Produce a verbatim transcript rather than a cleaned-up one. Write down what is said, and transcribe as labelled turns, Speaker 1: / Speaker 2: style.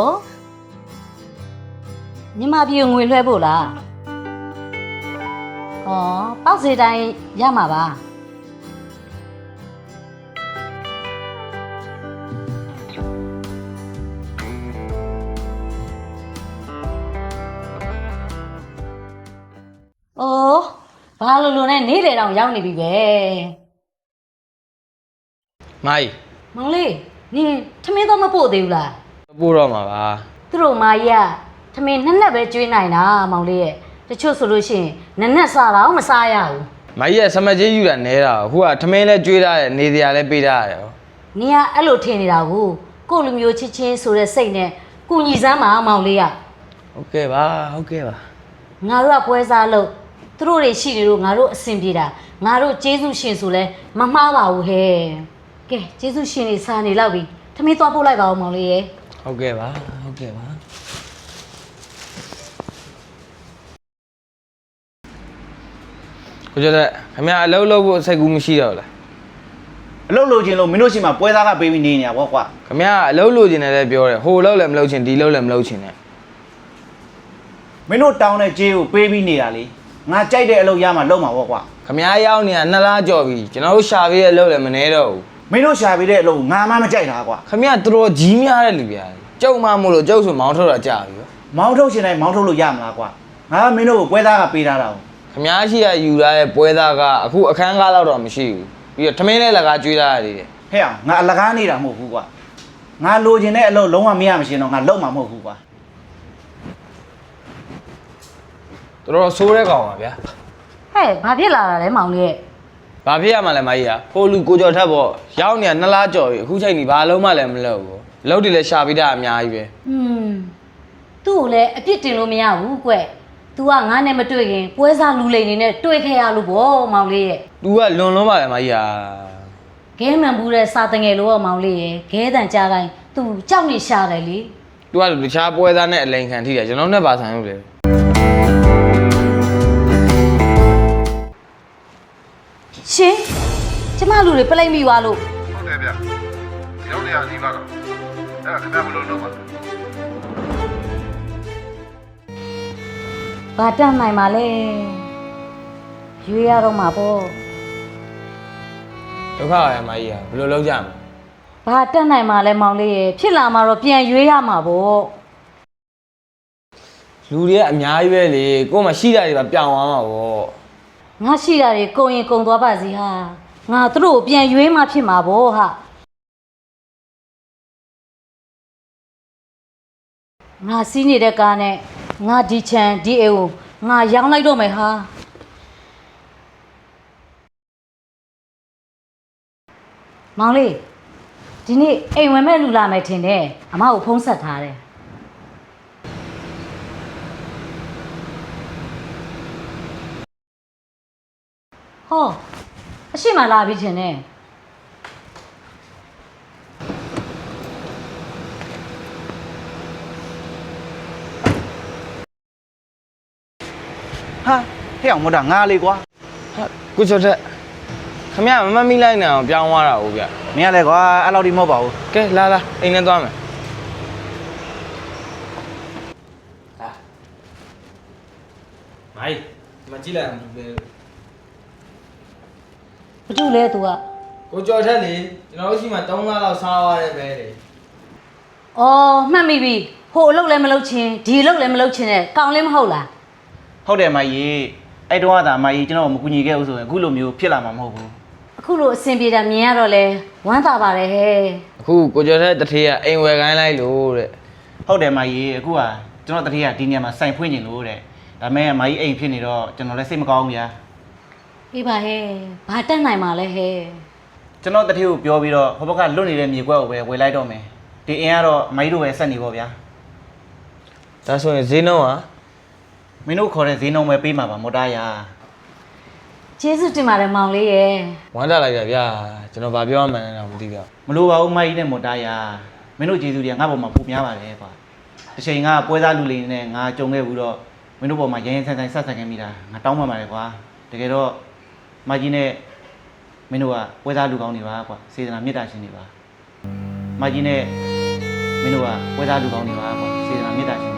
Speaker 1: ညီမပြေငွေလွှဲဖို့လားဩပေါက်စီတိုင်းရမှာပါအိုးဘာလို့လို့နဲ့နေလေတောင်ရောက်နေပြီပဲ
Speaker 2: မိုင်း
Speaker 1: မောင်လေးနင်ထမင်းတော့မပို့သေးဘူးလား
Speaker 2: ပို့တော့မှာပါ
Speaker 1: သူတို့မာကြီးကထမင်းနှစ်နှစ်ပဲကျွေးနိုင်တာမောင်လေးရဲ့တချို့ဆိုလို့ရှိရင်နှစ်နှစ်စားတော့မစားရဘူး
Speaker 2: မိုင်းရဲ့စမကြီးယူတာနဲတာဟိုကထမင်းလဲကျွေးထားတယ်နေစရာလဲပေးထားရတယ်
Speaker 1: နင်ကအဲ့လိုထင်နေတာကိုကို့လူမျိုးချစ်ချင်းဆိုတဲ့စိတ်နဲ့ကုညီစမ်းပါမောင်လေးက
Speaker 2: ဟုတ်ကဲ့ပါဟုတ်ကဲ့ပါ
Speaker 1: ငါတို့ကပွဲစားလို့သူတို့တွေရှိနေလို့ငါတို့အဆင်ပြေတာငါတို့ကျေးဇူးရှင်ဆိုလဲမမှားပါဘူးဟဲ့ကဲကျေးဇူးရှင်တွေစားနေလောက်ပြီထမင်းသွားပို့လိုက်ပါဦးမောင်လေးရဲ့
Speaker 2: ဟုတ်ကဲ့ပါဟုတ်ကဲ့ပါကိုကျတဲ့ခင်ဗျာအလုပ်လုပ်ဖို့စိတ်ကူးမရှိတော့လား
Speaker 3: အလုပ်လုပ်ခြင်းလို့မင်းတို့ရှိမှပွဲသားကပေးပြီးနေနေရပေါ့ကွာ
Speaker 2: ခင်ဗျာအလုပ်လုပ်ခြင်းနဲ့လည်းပြောတယ်ဟိုလုပ်လည်းမလုပ်ခြင်းဒီလုပ်လည်းမလုပ်ခြင်းနဲ့
Speaker 3: မင်းတို့တောင်းတဲ့ကြေးကိုပေးပြီးနေတာလေငါကြိုက်တဲ့အလုပ်ရမှလုပ်မှာပေါ့ကွာ
Speaker 2: ခင်ဗျာရောက်နေတာနှစ်လားကြော်ပြီကျွန်တော်တို့ရှာပေးတဲ့အလုပ်လည်းမနေတော့ဘူး
Speaker 3: မင်းတို့ရှာပေးတဲ့အလုပ်ငါမှမကြိုက်တာကွာ
Speaker 2: ခင်ဗျာတော်တော်ကြီးများတဲ့လူပြားကျုပ်မှမို့လို့ကျုပ်ဆိုမောင်းထုတ်တာကြာပြီ
Speaker 3: မောင်းထုတ်ရှင်တိုင်းမောင်းထုတ်လို့ရမလားကွာငါကမင်းတို့ကိုပွဲသားကပေးထားတာ
Speaker 2: ခင်ဗျားရှိရယူလာတဲ့ပွဲသားကအခုအခန်းကားတော့မရှိဘူးပြီးတော့ထမင်းနဲ့လကားကျွေးထားရတယ်
Speaker 3: ဟဲ့အောင်ငါအလကားနေတာမဟုတ်ဘူးကွာငါလိုချင်တဲ့အလုပ်လုံးဝမရမရှင်တော့ငါလုပ်မှာမဟုတ်ဘူးကွာ
Speaker 2: တော်တော်ဆိုးတဲ့ကောင်ပါဗျာ
Speaker 1: ဟဲ့ဘာဖြစ်လာတာလဲမောင်လေးရဲ့
Speaker 2: ဘာဖြစ်ရမှာလဲမကြီးကဖိုးလူကိုကြော်ထက်ပေါ့ရောက်နေတာနှစ်လားကြော်ပြီအခုချိန်ကြီးဘာလုံးမှလည်းမလုပ်ဘူးလုပ်တယ်လည်းရှာပြီးတာအများကြီးပဲ
Speaker 1: อืมသူ့ကိုလည်းအပြစ်တင်လို့မရဘူးကွतू ကငါနဲ့မတွေ့ခင်ပွဲစားလူလိန်နေနဲ့တွေ့ခဲ့ရလို့ဗောမောင်လေးရဲ့
Speaker 2: तू ကလွန်လွန်းပါလေမကြီးဟာ
Speaker 1: ခဲမှန်ဘူးတဲ့စာတငယ်လို့မောင်လေးရဲ့ခဲတန်ကြားတိုင်း तू ကြောက်နေရှာတယ်လေ
Speaker 2: तू ကတခြားပွဲသားနဲ့အလိန်ခံထိတယ်ကျွန်တော်နဲ့ပါဆိုင်လို့လေ
Speaker 1: ရှင်ကျမလူတွေပလိမ့်မိသွားလို့
Speaker 4: ဟုတ်တယ်ဗျရုံးနေရနေပါတော့အဲ့ဒါခင်ဗျားမလို့လုပ်ပါ
Speaker 1: ဘာတတ်နိုင်ပါလဲရွေးရတော့မှာပေါ့
Speaker 2: ဒုက္ခရမကြီးဟာဘယ်လိုလုပ်ကြမလဲ
Speaker 1: ဘာတတ်နိုင်မှာလဲမောင်လေးရေဖြစ်လာမှာတော့ပြန်ရွေးရမှာပေါ့
Speaker 2: လူတွေကအများကြီးပဲလေကို့မှာရှိတာတွေပါပြောင်းသွားမှာပေါ့
Speaker 1: ငါရှိတာတွေကုန်ရင်ကုန်သွားပါစီဟာငါသူတို့ကိုပြန်ရွေးမှဖြစ်မှာပေါ့ဟာငါစီးနေတဲ့ကားနဲ့ငါဒီချန်ဒီအေကိုငါရောင်းလိုက်တော့မယ်ဟာမောင်လေးဒီနေ့အိမ်ဝင်မဲ့လူလာမယ်ထင်တယ်အမကိုဖုံးဆက်ထားတယ်ဟောအရှိမလာပြီထင်တယ်
Speaker 3: ဟာဟဲ့အောင်မတော်ငါလေးကွာ
Speaker 2: ဟာကိုကျော်တဲ့ခင်ဗျာမမမိလိုက်နိုင်အောင်ပြောင်းသွားတာဟုတ်ဗျ
Speaker 3: မင်းကလည်းကွာအဲ့လောက်ဒီမဟုတ်ပါဘူး
Speaker 2: ကဲလာလာအိမ်နဲ့သွားမယ်ဟာမိုင်းမကြည့်လိုက်ဘူးလေ
Speaker 1: ဘာလို့လဲ तू က
Speaker 2: ကိုကျော်ထက်လေကျွန်တော်တို့ရှိမှသုံးလလောက်စားသွားတယ်ပဲလေ
Speaker 1: အော်မှတ်မိပြီဟိုအလုပ်လည်းမလုပ်ချင်းဒီအလုပ်လည်းမလုပ်ချင်းနဲ့ကောင်းလည်းမဟုတ်လား
Speaker 3: ဟုတ်တယ်မကြီးအဲ့တော့ကသာမကြီးကျွန်တော်မကူညီခဲ့ဘူးဆိုရင်အခုလိုမျိုးဖြစ်လာမှာမဟုတ်ဘူး
Speaker 1: အခုလိုအဆင်ပြေတာမြင်ရတော့လဲဝမ်းသာပါတယ်ဟဲ့
Speaker 2: အခုကိုကျော်တဲ့တထေးကအိမ်ဝယ်ခိုင်းလိုက်လို့တဲ့
Speaker 3: ဟုတ်တယ်မကြီးအခုကကျွန်တော်တထေးကဒီနေရာမှာစိုင်ဖွင့်နေလို့တဲ့ဒါမဲ့မကြီးအိမ်ဖြစ်နေတော့ကျွန်တော်လည်းစိတ်မကောင်းဘူးဗျာ
Speaker 1: အေးပါဟဲ့ဘာတက်နိုင်မှာလဲဟဲ့
Speaker 3: ကျွန်တော်တထေးကိုပြောပြီးတော့ဟိုဘက်ကလွတ်နေတဲ့မြေကွက်ကိုပဲဝယ်လိုက်တော့မယ်ဒီအင်းကတော့မကြီးတို့ပဲဆက်နေပေါ့ဗျာ
Speaker 2: ဒါဆိုရင်ဈေးနှုန်းက
Speaker 3: မင်းတို့ခေါ်တဲ့ဈေးနှုန်းပဲပေးမှာပါမော်တာရာ
Speaker 1: ကျေးဇူးတင်ပါတယ်မောင်လေးရယ်
Speaker 2: ဝမ်းသာလိုက်တာဗျာကျွန်တော်ဗာပြောမှန်းလည်းတော့မသိပါ
Speaker 3: ဘူးမလိုပါဘူးမကြီးနဲ့မော်တာရာမင်းတို့ကျေးဇူးတွေကငါ့ဘောမှာပိုများပါတယ်ကွာတစ်ချိန်ကပွဲစားလူလေးနဲ့ငါကြုံခဲ့ဘူးတော့မင်းတို့ဘောမှာရရင်ဆိုင်ဆိုင်ဆက်ဆက်ခဲ့မိတာငါတောင်းပန်ပါတယ်ကွာတကယ်တော့မကြီးနဲ့မင်းတို့ကပွဲစားလူကောင်းနေပါကွာစေတနာမေတ္တာရှင်နေပါမကြီးနဲ့မင်းတို့ကပွဲစားလူကောင်းတွေပါကွာစေတနာမေတ္တာရှင်